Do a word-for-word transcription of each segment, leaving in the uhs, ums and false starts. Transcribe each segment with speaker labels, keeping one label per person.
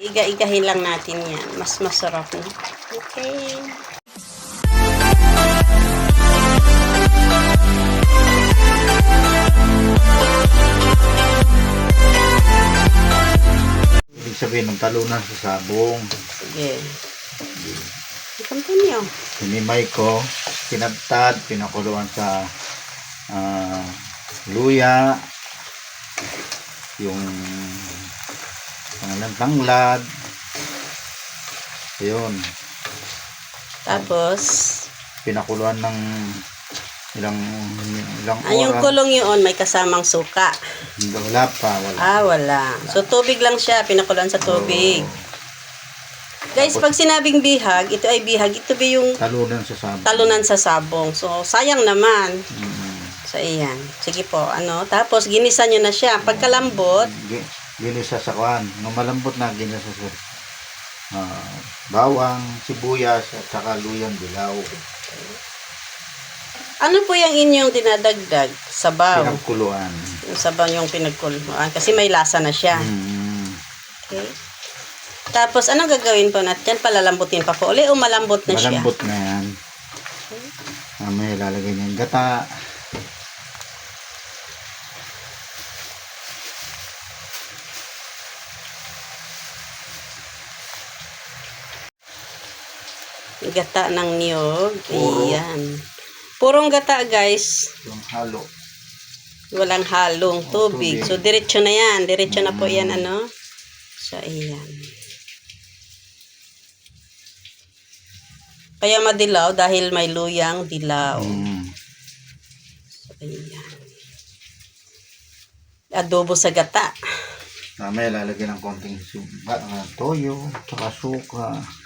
Speaker 1: iga-igahin lang natin yan. Mas masarap na. Okay.
Speaker 2: Ibig sabihin ng talunan sa sabong.
Speaker 1: Sige. Continue.
Speaker 2: Hinimay ko, pinagtad, pinakuluan sa uh, luya, yung pangalan tanglad. Ayun.
Speaker 1: Tapos,
Speaker 2: Pinakuluan ng ilang ilang
Speaker 1: ah, yung
Speaker 2: oras.
Speaker 1: kulong yun, may kasamang suka.
Speaker 2: Wala pa, wala.
Speaker 1: Ah, wala. So, tubig lang siya. Pinakuluan sa tubig.
Speaker 2: Oo.
Speaker 1: Guys, pag sinabing bihag, ito ay bihag. Ito ba yung
Speaker 2: Talunan sa sabong.
Speaker 1: talunan sa sabong. So, sayang naman.
Speaker 2: Mm.
Speaker 1: So, ayan. Sige po, ano. Tapos, ginisa nyo na siya. Pagkalambot,
Speaker 2: Gi- Ginisa sa kwan. Nung malambot na, ginisa sa uh, bawang, sibuyas, at saka luyang dilaw.
Speaker 1: ano po yung inyong dinadagdag? Sabaw.
Speaker 2: Pinagkuluan.
Speaker 1: Yung sabaw yung pinagkuluan. Kasi may lasa na siya.
Speaker 2: Mm.
Speaker 1: Okay. Tapos, anong gagawin po natin? Palalambutin pa po uli o malambot na siya?
Speaker 2: Malambot na yan. Mamaya lalagay niya yung gata.
Speaker 1: Gata ng niyog.
Speaker 2: Puro.
Speaker 1: Ayan. Purong gata, guys.
Speaker 2: Yung halo.
Speaker 1: Walang halong tubig.
Speaker 2: tubig.
Speaker 1: So, diretso na yan. Diretso na po
Speaker 2: Mm.
Speaker 1: yan, ano? So, ayan. Kaya madilaw dahil may luyang dilaw.
Speaker 2: Mm.
Speaker 1: So, ayan. Adobo sa gata.
Speaker 2: Mamaya lalagyan ng konting suka, uh, toyo, saka suka.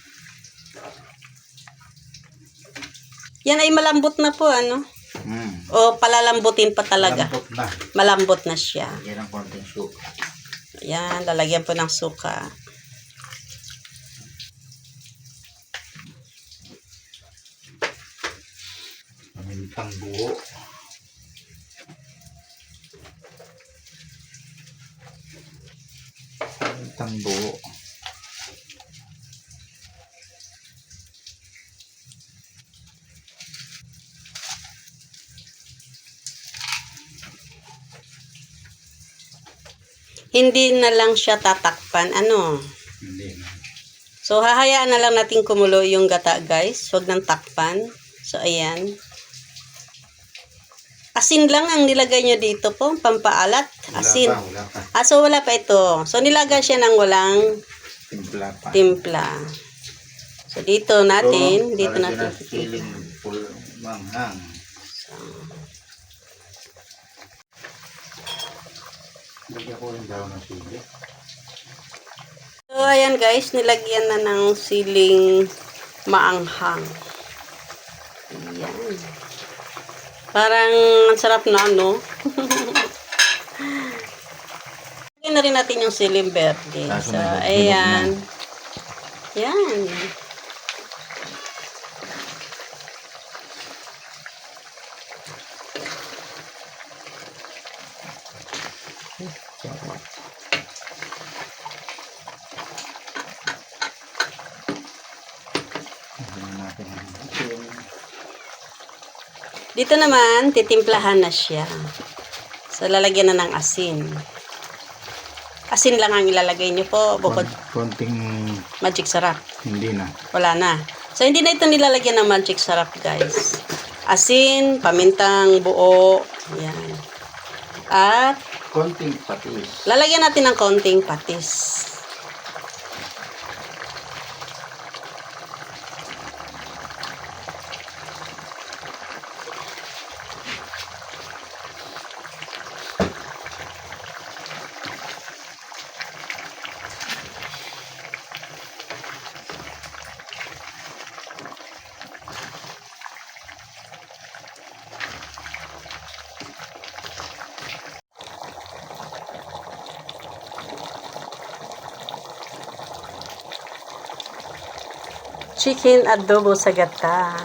Speaker 1: Yan ay malambot na po, ano?
Speaker 2: Mm.
Speaker 1: O palalambutin pa talaga.
Speaker 2: Malambot na.
Speaker 1: Malambot na siya.
Speaker 2: Lagyan ng konting suka.
Speaker 1: Yan, lalagyan po ng suka.
Speaker 2: Pamintang buo. Pamintang buo.
Speaker 1: Hindi na lang siya tatakpan, ano?
Speaker 2: Hindi na.
Speaker 1: So, hahayaan na lang natin kumulo yung gata, guys. Huwag nang takpan. So, ayan. Asin lang ang nilagay nyo dito po, pampaalat. Asin.
Speaker 2: Wala pa, wala pa.
Speaker 1: Ah, so wala pa ito. So, nilagay siya ng walang
Speaker 2: Timpla pa.
Speaker 1: timpla. So, dito natin,
Speaker 2: So,
Speaker 1: dito
Speaker 2: lalagyan
Speaker 1: natin.
Speaker 2: ng siling pul manghang. Lagyan ko yung daw ng sili.
Speaker 1: So, ayan guys, nilagyan na ng siling maanghang. Ayan. Parang ang sarap na, no? Lagyan na rin natin yung siling verde.
Speaker 2: Kaso
Speaker 1: So,
Speaker 2: may- may
Speaker 1: ayan. Yan.
Speaker 2: Lagyan natin ang asin.
Speaker 1: Dito naman, titimplahan na siya. So, lalagyan na ng asin. Asin lang ang ilalagay nyo po. Bukod
Speaker 2: Konting
Speaker 1: magic sarap.
Speaker 2: hindi na.
Speaker 1: Wala na. So, hindi na ito nilalagyan ng magic sarap, guys. Asin, pamintang buo. Yan. At,
Speaker 2: Konting patis.
Speaker 1: lalagyan natin ng konting patis. Chicken adobo sa gata.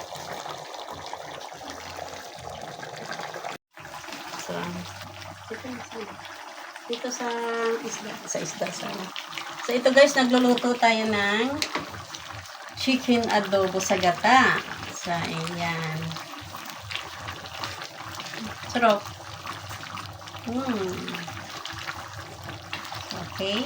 Speaker 1: So, Dito sa isda. Sa isda, sa So, ito guys, nagluluto tayo ng chicken adobo sa gata. Sa, ayan. Sarap. Hmm. Okay.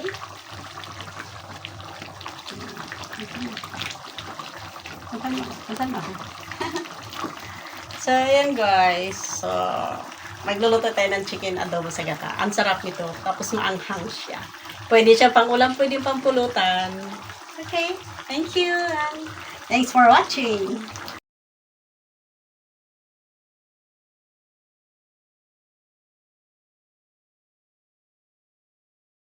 Speaker 1: Makan mo. Makan mo. So, ayan guys. So, magluluto tayo ng chicken adobo sa gata. Ang sarap nito. Tapos maanghang siya. Pwede siya pang ulam, pwede pang pulutan. Okay. Thank you. And thanks for watching.